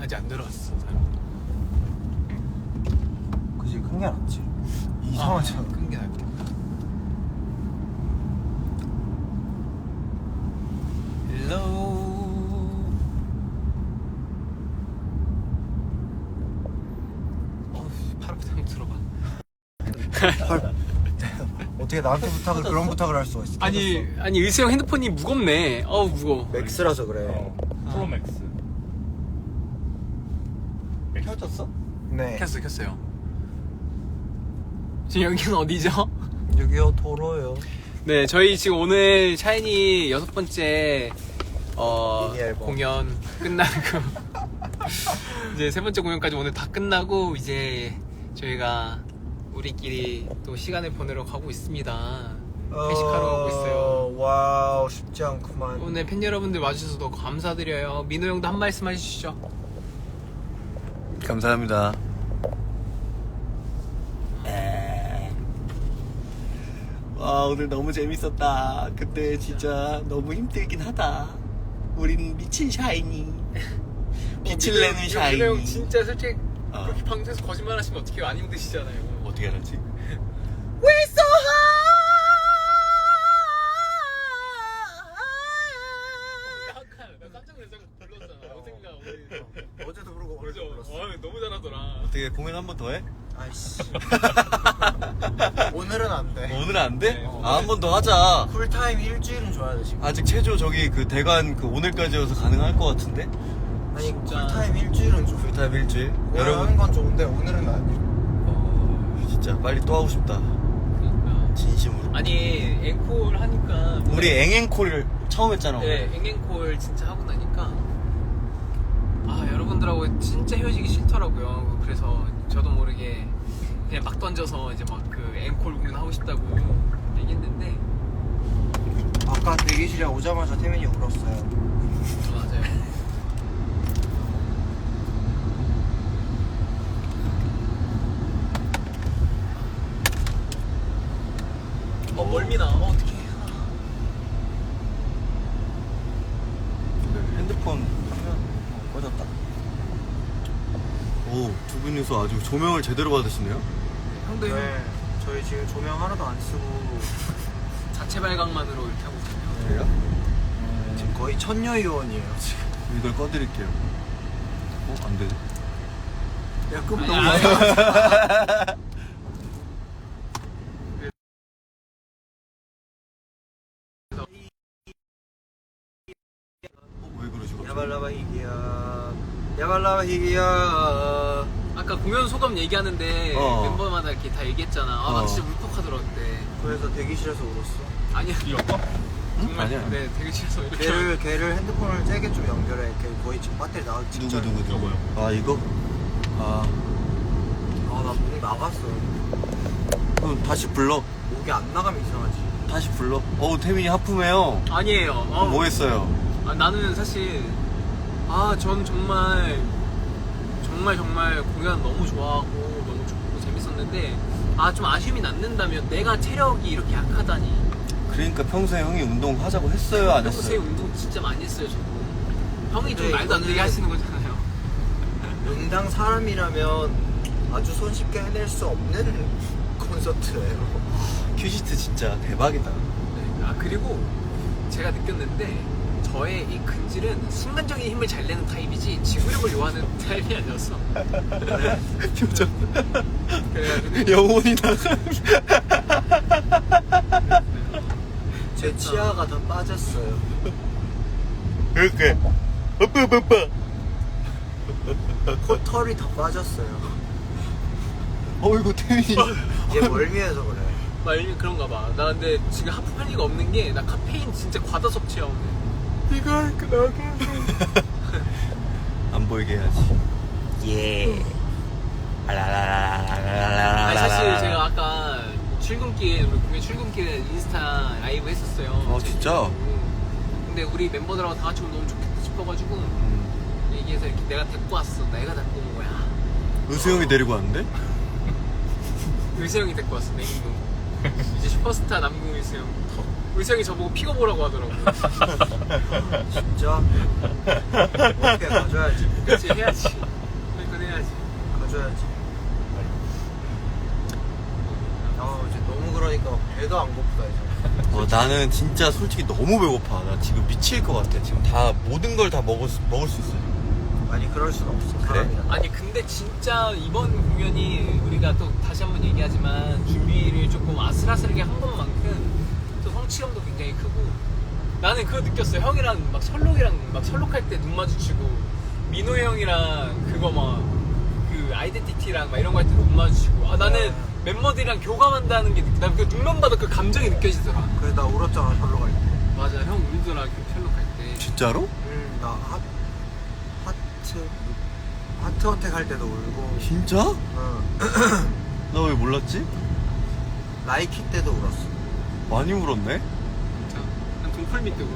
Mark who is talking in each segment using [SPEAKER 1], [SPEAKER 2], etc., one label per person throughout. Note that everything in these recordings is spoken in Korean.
[SPEAKER 1] 아직 안 들어왔어.
[SPEAKER 2] 그지, 큰 게 낫지. 이상하잖아.
[SPEAKER 1] 끈게 낫겠다. 헬로. 팔 아프다. 한번 들어봐.
[SPEAKER 2] 어떻게 나한테 부탁을 그런 부탁을 할 수가 있어?
[SPEAKER 1] 아니 의수 형 핸드폰이 무겁네. 어우 무거워.
[SPEAKER 2] 맥스라서 그래.
[SPEAKER 3] 프로맥스.
[SPEAKER 2] 켜졌어? 네.
[SPEAKER 1] 켰어요. 지금 여기는 어디죠?
[SPEAKER 2] 여기요, 도로요.
[SPEAKER 1] 네, 저희 지금 오늘 샤이니 6번째
[SPEAKER 2] 미니 앨범.
[SPEAKER 1] 공연 끝나고 이제 3번째 공연까지 오늘 다 끝나고 이제 저희가 우리끼리 또 시간을 보내러 가고 있습니다. 회식하러 가고 있어요.
[SPEAKER 2] 와우, 쉽지 않구만.
[SPEAKER 1] 오늘 팬 여러분들 와주셔서 너무 감사드려요. 민호 형도 한 말씀 해주시죠.
[SPEAKER 4] 감사합니다. 와, 오늘 너무 재밌었다. 그때 진짜 너무 힘들긴 하다. 우린 미친 샤이니. 빛을 내는 샤이니.
[SPEAKER 1] 민호 형 진짜 솔직히
[SPEAKER 4] 어.
[SPEAKER 1] 그렇게 방송에서 거짓말 하시면 어떻게 안 힘드시잖아요.
[SPEAKER 4] 어떻게 알았지?
[SPEAKER 1] We're so high. 나 깜짝 놀라서 불렀잖아. 어젠가 우리
[SPEAKER 2] 어제도 부르고
[SPEAKER 1] 그죠?
[SPEAKER 2] 오늘도 불렀어.
[SPEAKER 1] 너무 잘하더라.
[SPEAKER 4] 어떻게 공연 한 번 더 해?
[SPEAKER 2] 아이씨. 오늘은 안 돼.
[SPEAKER 4] 오늘은 안 돼?
[SPEAKER 1] 네,
[SPEAKER 4] 한 번 더 하자.
[SPEAKER 2] 쿨타임 일주일은 줘야 돼, 지금.
[SPEAKER 4] 아직 체조 저기 그 대관 그 오늘까지여서 가능할 것 같은데?
[SPEAKER 2] 아니,
[SPEAKER 1] 진짜.
[SPEAKER 2] 쿨타임 일주일은 줘.
[SPEAKER 4] 풀타임 일주일.
[SPEAKER 2] 오늘 하는
[SPEAKER 4] 여러분,
[SPEAKER 2] 건 좋은데 오늘은 안 돼.
[SPEAKER 4] 진짜 빨리 또 하고 싶다. 진심으로.
[SPEAKER 1] 아니 앵콜 하니까
[SPEAKER 4] 우리 앵앵콜을 처음 했잖아.
[SPEAKER 1] 네
[SPEAKER 4] 오늘.
[SPEAKER 1] 앵앵콜 진짜 하고 나니까 여러분들하고 진짜 헤어지기 싫더라고요. 그래서 저도 모르게 그냥 막 던져서 이제 막 그 앵콜 공연 하고 싶다고 얘기했는데
[SPEAKER 2] 아까 대기실에 오자마자 태민이 울었어요.
[SPEAKER 1] 맞아요. 멀미나. 어떡해.
[SPEAKER 4] 핸드폰 화면 꺼졌다. 오, 두 분이서 아주 조명을 제대로 받으시네요.
[SPEAKER 1] 형도 형
[SPEAKER 2] 네, 저희 지금 조명 하나도 안 쓰고
[SPEAKER 1] 자체 발광만으로 이렇게 하고 있어요.
[SPEAKER 4] 그래요?
[SPEAKER 2] 지금 거의 천녀의원이에요 지금.
[SPEAKER 4] 이걸 꺼드릴게요. 안 되네.
[SPEAKER 2] 야, 급
[SPEAKER 1] 아니,
[SPEAKER 2] 너무
[SPEAKER 1] 아니,
[SPEAKER 2] 많아.
[SPEAKER 4] 왜 그러시고?
[SPEAKER 2] 야발라바 희기야, 야발라바 희기야.
[SPEAKER 1] 아까 공연 소감 얘기하는데 멤버마다 이렇게 다 얘기했잖아. 나 진짜 울컥하더라 그때.
[SPEAKER 2] 그래서 대기실에서 울었어.
[SPEAKER 1] 아니야.
[SPEAKER 3] 이거?
[SPEAKER 1] 정말
[SPEAKER 4] 아니야.
[SPEAKER 1] 네 되게 싫어서 이렇게.
[SPEAKER 2] 걔를 핸드폰을 세게 좀 연결해. 걔 거의 지금 배터리 나가기 직전.
[SPEAKER 4] 누구? 아, 이거? 아,
[SPEAKER 2] 나 목 나갔어.
[SPEAKER 4] 그럼 다시 불러.
[SPEAKER 2] 목이 안 나가면 이상하지.
[SPEAKER 4] 다시 불러. 태민이 하품해요.
[SPEAKER 1] 아니에요.
[SPEAKER 4] 뭐 했어요?
[SPEAKER 1] 나는 사실 전 정말 공연 너무 좋아하고 너무 좋고 재밌었는데 좀 아쉬움이 남는다면 내가 체력이 이렇게 약하다니.
[SPEAKER 4] 그러니까 평소에 형이 운동하자고 했어요, 안
[SPEAKER 1] 평소에
[SPEAKER 4] 했어요?
[SPEAKER 1] 운동 진짜 많이 했어요 저도. 형이 좀
[SPEAKER 2] 근데
[SPEAKER 1] 말도 안 되게
[SPEAKER 2] 이거는-
[SPEAKER 1] 하시는 거잖아요.
[SPEAKER 2] 응당 사람이라면 아주 손쉽게 해낼 수 없는 콘서트예요.
[SPEAKER 4] 큐시트 진짜 대박이다.
[SPEAKER 1] 네. 그리고 제가 느꼈는데 저의 이 근질은 순간적인 힘을 잘 내는 타입이지 지구력을 요하는 타입이 아니었어.
[SPEAKER 4] 표정.
[SPEAKER 1] 그래가지고
[SPEAKER 4] 영혼이 나가.
[SPEAKER 2] 제 치아가 다 빠졌어요.
[SPEAKER 4] 그렇게. 오빠.
[SPEAKER 2] 코털이 다 빠졌어요.
[SPEAKER 4] 어이구, 태민이.
[SPEAKER 2] 얘 멀미해서 그래.
[SPEAKER 1] 말미 그런가 봐. 나 근데 지금 하품할 리가 없는 게 나 카페인 진짜 과다 섭취야 오늘. 이걸 나게.
[SPEAKER 4] 안 보이게 해야지. 예.
[SPEAKER 1] 아니 사실 제가 아까 출근길 우리 공연 출근길에 인스타 라이브 했었어요.
[SPEAKER 4] 진짜?
[SPEAKER 1] 근데 우리 멤버들하고 다 같이 오면 너무 좋겠다 싶어가지고 얘기해서 이렇게 내가 데리고 왔어. 내가 데리고 온 거야.
[SPEAKER 4] 의수 형이 데리고 왔는데?
[SPEAKER 1] 의수 형이 데리고 왔어. 냉동. 이제 슈퍼스타 남궁 의수 형. 의성이 저보고 픽업오라고 하더라고.
[SPEAKER 2] 진짜? 어떻게 가져야지.
[SPEAKER 1] 그치, 해야지. 그건 해야지.
[SPEAKER 2] 가져야지. 이제 너무 그러니까 배도 안 고프다 이제.
[SPEAKER 4] 나는 진짜 솔직히 너무 배고파. 나 지금 미칠 것 같아. 지금 다 모든 걸 다 먹을 수 있어.
[SPEAKER 2] 아니 그럴 순 없어.
[SPEAKER 4] 그래?
[SPEAKER 2] 사람이라.
[SPEAKER 1] 아니 근데 진짜 이번 공연이 우리가 또 다시 한번 얘기하지만 준비를 조금 아슬아슬하게 한 것만큼 또 성취감도 굉장히 크고 나는 그거 느꼈어요. 형이랑 막 철록할 때 눈 마주치고 민호 형이랑 그거 막 그 아이덴티티랑 막 이런 거 할 때 눈 마주치고 나는 멤버들이랑 교감한다는 게 난 그 눈만 봐도 그 감정이 느껴지더라.
[SPEAKER 2] 그래 나 울었잖아 절로 갈 때.
[SPEAKER 1] 맞아, 형 울더라 그 철록할 때.
[SPEAKER 4] 진짜로?
[SPEAKER 2] 나 하트 어택 할 때도 울고.
[SPEAKER 4] 진짜?
[SPEAKER 2] 응.
[SPEAKER 4] 나 왜 몰랐지?
[SPEAKER 2] 라이키 때도 울었어.
[SPEAKER 4] 많이 울었네?
[SPEAKER 1] 진짜 난 동풀 밑에 울어.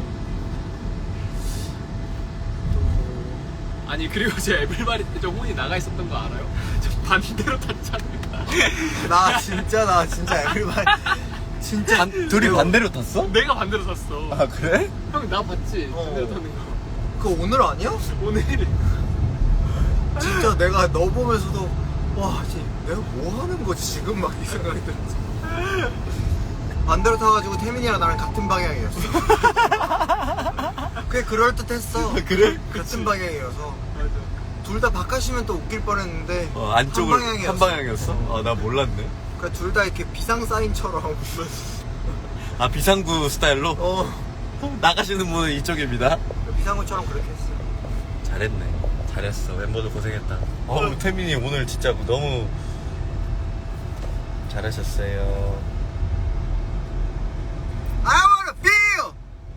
[SPEAKER 1] 아니 그리고 제 에블바리 때 저 혼이 나가 있었던 거 알아요? 저 반대로 탔잖아요.
[SPEAKER 2] 나 진짜 에브리바디 진짜
[SPEAKER 4] 둘이 반대로 탔어?
[SPEAKER 1] 내가 반대로 탔어.
[SPEAKER 4] 아 그래?
[SPEAKER 1] 형 나 봤지?
[SPEAKER 2] 어.
[SPEAKER 1] 반대로 타는 거.
[SPEAKER 2] 그거 오늘 아니야?
[SPEAKER 1] 오늘
[SPEAKER 2] 진짜 내가 너 보면서도 와 진짜 내가 뭐 하는 거지 지금 막 이 생각이 들었어. 반대로 타가지고 태민이랑 나랑 같은 방향이었어. 그게 그럴듯했어.
[SPEAKER 4] 그래?
[SPEAKER 2] 같은 방향이어서
[SPEAKER 1] 맞아.
[SPEAKER 2] 둘 다 바깥이면 또 웃길 뻔했는데
[SPEAKER 4] 안쪽을
[SPEAKER 2] 한
[SPEAKER 4] 한 방향이었어? 나 몰랐네.
[SPEAKER 2] 그러니까 둘 다 이렇게 비상 사인처럼
[SPEAKER 4] 아 비상구 스타일로? 나가시는 분은 이쪽입니다.
[SPEAKER 2] 비상구처럼 그렇게 했어.
[SPEAKER 4] 잘했네. 잘했어. 멤버들 고생했다. 태민이 오늘 진짜 너무 잘하셨어요.
[SPEAKER 2] I wanna feel.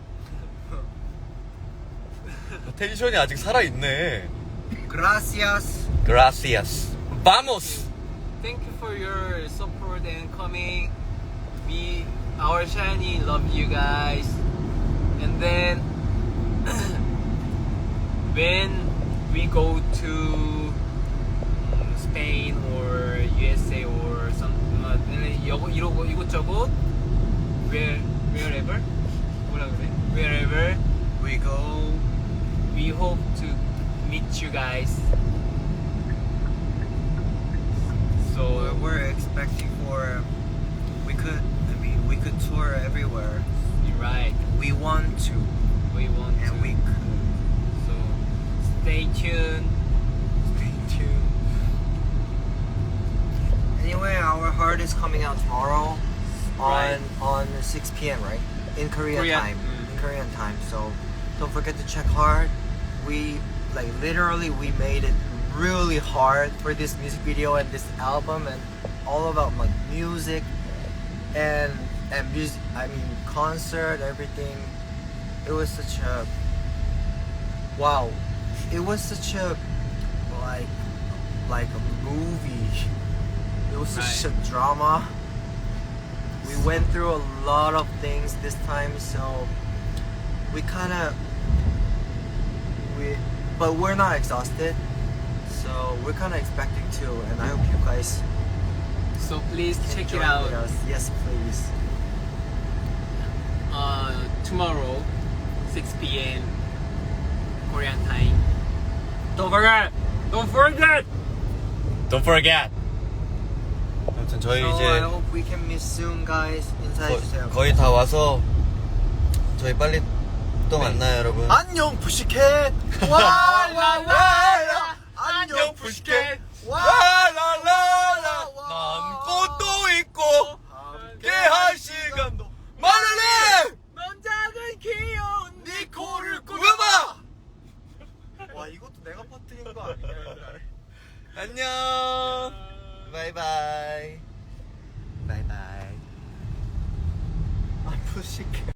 [SPEAKER 4] 텐션이 아직 살아있네.
[SPEAKER 2] Gracias.
[SPEAKER 4] Gracias. Vamos!
[SPEAKER 1] Thank you for your support and coming. Our Shiny, love you guys. And then when we go to Spain or USA or something, 이곳저곳 wherever 뭐라 그래? Wherever
[SPEAKER 2] We go.
[SPEAKER 1] we hope to meet you guys. So
[SPEAKER 2] We're expecting for. We could tour everywhere.
[SPEAKER 1] you're right.
[SPEAKER 2] We want to,
[SPEAKER 1] We want to.
[SPEAKER 2] and we could.
[SPEAKER 1] So stay tuned.
[SPEAKER 2] Stay tuned. Anyway, our heart is coming out tomorrow
[SPEAKER 1] Right.
[SPEAKER 2] on 6 p.m. right? In Korean
[SPEAKER 1] Korean,
[SPEAKER 2] time.
[SPEAKER 1] mm.
[SPEAKER 2] In Korean time. So don't forget to check hard. We literally we made it really hard for this music video and this album and all about music and music. I mean concert, everything. It was such a wow. It was such a like a movie. It was such a drama. We went through a lot of things this time, so but we're not exhausted. So we're kind of expecting to, and I hope you guys
[SPEAKER 1] So please
[SPEAKER 2] can
[SPEAKER 1] check
[SPEAKER 2] join
[SPEAKER 1] it out.
[SPEAKER 2] with us. Yes, please.
[SPEAKER 1] Tomorrow, 6 p.m. Korean time. Don't forget! Don't forget!
[SPEAKER 4] Don't forget! 아무튼 저희
[SPEAKER 2] So I
[SPEAKER 4] 이제
[SPEAKER 2] hope we can meet soon, guys. 인사해 주세요.
[SPEAKER 4] 거의 다 와서 저희 빨리 또 만나요 여러분.
[SPEAKER 2] 안녕 푸시캣. 와라라라. 안녕 푸시캣.
[SPEAKER 4] 와라라라. 난 꽃도 있고 함께할 시간도 많으네.
[SPEAKER 1] 넌 작은 귀여운
[SPEAKER 2] 네 코를
[SPEAKER 4] 꾸며봐.
[SPEAKER 2] 와 이것도 내가 퍼뜨린 거 아니냐?
[SPEAKER 4] 안녕. 바이바이. 바이바이.
[SPEAKER 2] 아 푸시캣.